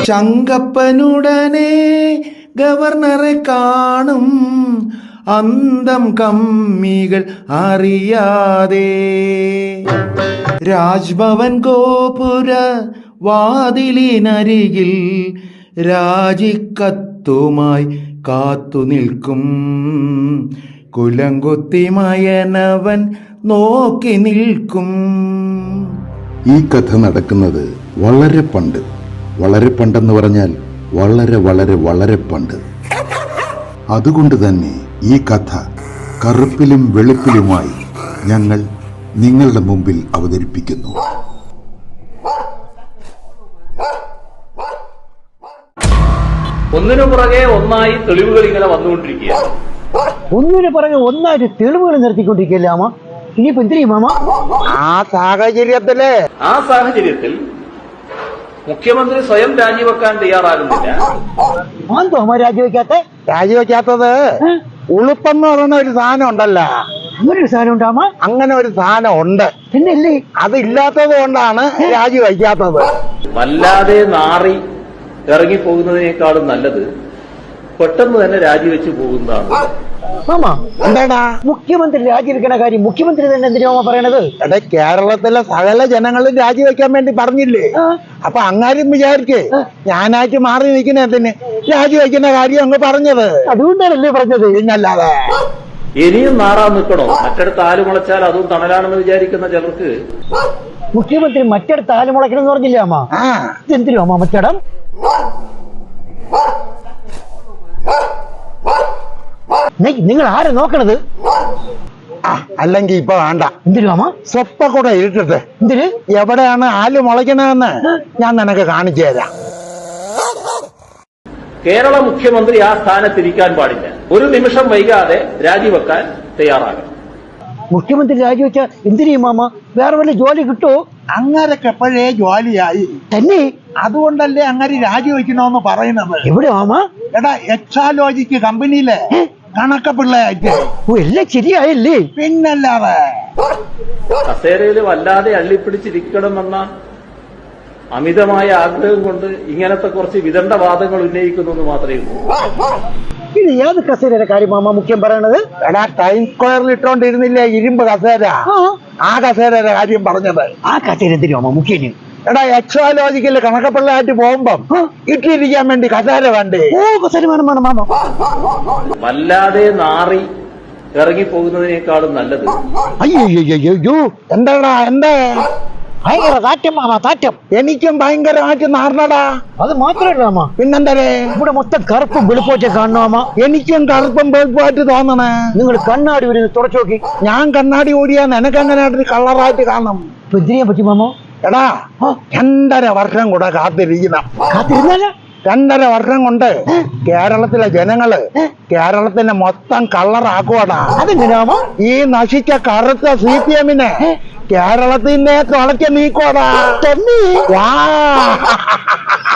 ചങ്കപ്പനുടനെ ഗവർണറെ കാണും അന്തം കമ്മികൾ അറിയാതെ. രാജ്ഭവൻ ഗോപുര വാതിലിനരികിൽ രാജിക്കത്തുമായി കാത്തു നിൽക്കും കുലങ്കുത്തിമയനവൻ നോക്കി നിൽക്കും. ഈ കഥ നടക്കുന്നത് വളരെ പണ്ട്. വളരെ പണ്ടെന്ന് പറഞ്ഞാൽ വളരെ വളരെ വളരെ പണ്ട്. അതുകൊണ്ട് തന്നെ ഈ കഥ കറുപ്പിലും വെളുപ്പിലുമായി ഞങ്ങൾ നിങ്ങളുടെ മുമ്പിൽ അവതരിപ്പിക്കുന്നു. ഒന്നിനു പുറകെ ഒന്നായി തെളിവുകൾ ഇങ്ങനെ വന്നുകൊണ്ടിരിക്കുകയാണ്. ഒന്നിനു പുറകെ ഒന്നായിട്ട് തെളിവുകൾ നിർത്തിക്കൊണ്ടിരിക്കുകയല്ലേ മാമ? ഇനിയിപ്പോ എന്തിനാ മാമ? ആ സാഹചര്യത്തിൽ മുഖ്യമന്ത്രി സ്വയം രാജിവെക്കാൻ തയ്യാറാകുന്നില്ല. രാജിവെക്കാത്തത് ഉളുപ്പെന്ന് പറയുന്ന ഒരു സാധനം ഉണ്ടല്ലോ. അങ്ങനെ ഒരു സാധനം ഉണ്ടാമ? അങ്ങനെ ഒരു സാധനം ഉണ്ട്. പിന്നല്ലേ അതില്ലാത്തത് കൊണ്ടാണ് രാജിവെക്കാത്തത്. വല്ലാതെ നാറി ഇറങ്ങിപ്പോകുന്നതിനേക്കാളും നല്ലത് പെട്ടെന്ന് തന്നെ രാജിവെച്ച് പോകുന്നതാണ്. മാമ എന്താടാ മുഖ്യമന്ത്രി രാജിവെക്കണ കാര്യം മുഖ്യമന്ത്രി തന്നെ എന്തിനാ പറയണത്? എടാ, കേരളത്തിലെ സകല ജനങ്ങളും രാജിവെക്കാൻ വേണ്ടി പറഞ്ഞില്ലേ? അപ്പൊ അങ്ങാരും വിചാരിക്കേ ഞാനായിട്ട് മാറി നിൽക്കുന്നതിന് രാജിവെക്കുന്ന കാര്യം അങ്ങ് പറഞ്ഞത്. അതുകൊണ്ടാണല്ലേ പറഞ്ഞത്. പിന്നല്ലാതെ ഇനിയും നാറാൻ നിൽക്കണോ? മറ്റടുത്ത് ആല് മുളച്ചാൽ അതും തണലാണെന്ന് വിചാരിക്കുന്ന ചിലർക്ക് മുഖ്യമന്ത്രി മറ്റടുത്ത് ആല് മുളയ്ക്കണം എന്ന് പറഞ്ഞില്ലേ അമ്മ? എന്തിനോ അമ്മ മറ്റടം? നിങ്ങൾ ആരെ നോക്കണത്? അല്ലെങ്കിൽ ഇപ്പൊ വേണ്ട. എന്തിനു അമ്മ? സ്വപ്പ കൂടെ ഇരുട്ടട്ടെ. എന്തിന്? എവിടെയാണ് ആല് മുളയ്ക്കണമെന്ന് ഞാൻ നിനക്ക് കാണിച്ചു തരാം. കേരള മുഖ്യമന്ത്രി ആ സ്ഥാനത്തിരിക്കാൻ പാടില്ല. ഒരു നിമിഷം വൈകാതെ രാജിവെക്കാൻ തയ്യാറാകണം. മുഖ്യമന്ത്രി രാജിവെച്ച എന്തിനു മാമ? വേറെ വല്ല ജോലി കിട്ടുമോ? അങ്ങരൊക്കെ എപ്പോഴേ ജോലിയായി തന്നെ. അതുകൊണ്ടല്ലേ അങ്ങനെ രാജിവെക്കണോന്ന് പറയുന്നത്. എവിടെ മാമ? എടാ, എക്സാലോജിക്ക് കമ്പനിയിലെ കണക്ക പിള്ളയായിട്ട്. എല്ലാം ശരിയായല്ലേ? പിന്നല്ലാതെ കസേരയിൽ വല്ലാതെ അള്ളിപ്പിടിച്ചിരിക്കണമെന്ന അമിതമായ ആഗ്രഹം കൊണ്ട് ഇങ്ങനത്തെ കുറച്ച് വിദണ്ഡവാദങ്ങൾ ഉന്നയിക്കുന്നു മാത്രമേ ഉള്ളൂ. ഇത് ഏത് കസേരയുടെ കാര്യം മാമ മുഖ്യം പറയണത്? എടാ, ടൈം സ്ക്വയറിൽ ഇട്ടോണ്ടിരുന്നില്ലേ ഇരുമ്പ് കസേര? ആ കസേരയുടെ കാര്യം പറഞ്ഞത്. ആ കസേര എന്തിനു മാമ മുഖ്യന്? എടാ, എക്സാലോജിക്കല് കണക്കപ്പിള്ളയായിട്ട് പോകുമ്പം ഇട്ടിരിക്കാൻ വേണ്ടി കസേര വേണ്ടേ? കസേര വേണം വേണം മാമ. വല്ലാതെ നാറി ഇറങ്ങിപ്പോകുന്നതിനേക്കാളും നല്ലത്. അയ്യോ എന്താടാ? എന്താ ഭയങ്കര താറ്റം മാമ, താറ്റം. എനിക്കും ഭയങ്കരമായിട്ട് നാർന്നടാ. അത് മാത്രമല്ല മാമ, പിന്നെന്തരേ ഇവിടെ മൊത്തം കറുപ്പും വെളുപ്പോറ്റം കാണണം മാമ. എനിക്കും കറുപ്പും വെളുപ്പായിട്ട് തോന്നണേ. നിങ്ങൾ കണ്ണാടി ഒരു തുടച്ചു നോക്കി. ഞാൻ കണ്ണാടി ഓടിയാ നിനക്കെങ്ങനെയായിട്ട് കളറായിട്ട് കാണും. ഇപ്പൊ എന്തിനാ പറ്റി മാമ? എടാ, 2.5 വർഷം കൂടെ കാത്തിരിക്കണം. കാത്തിരുന്നാല 2.5 വർഷം കൊണ്ട് കേരളത്തിലെ ജനങ്ങള് കേരളത്തിന്റെ മൊത്തം കളറാക്കുവാടാ. അതെങ്ങനെയാമോ? ഈ നശിച്ച കറുത്ത CPM-നെ കേരളത്തിനെ തുളയ്ക്ക് നീക്കോടാ. തന്നെ.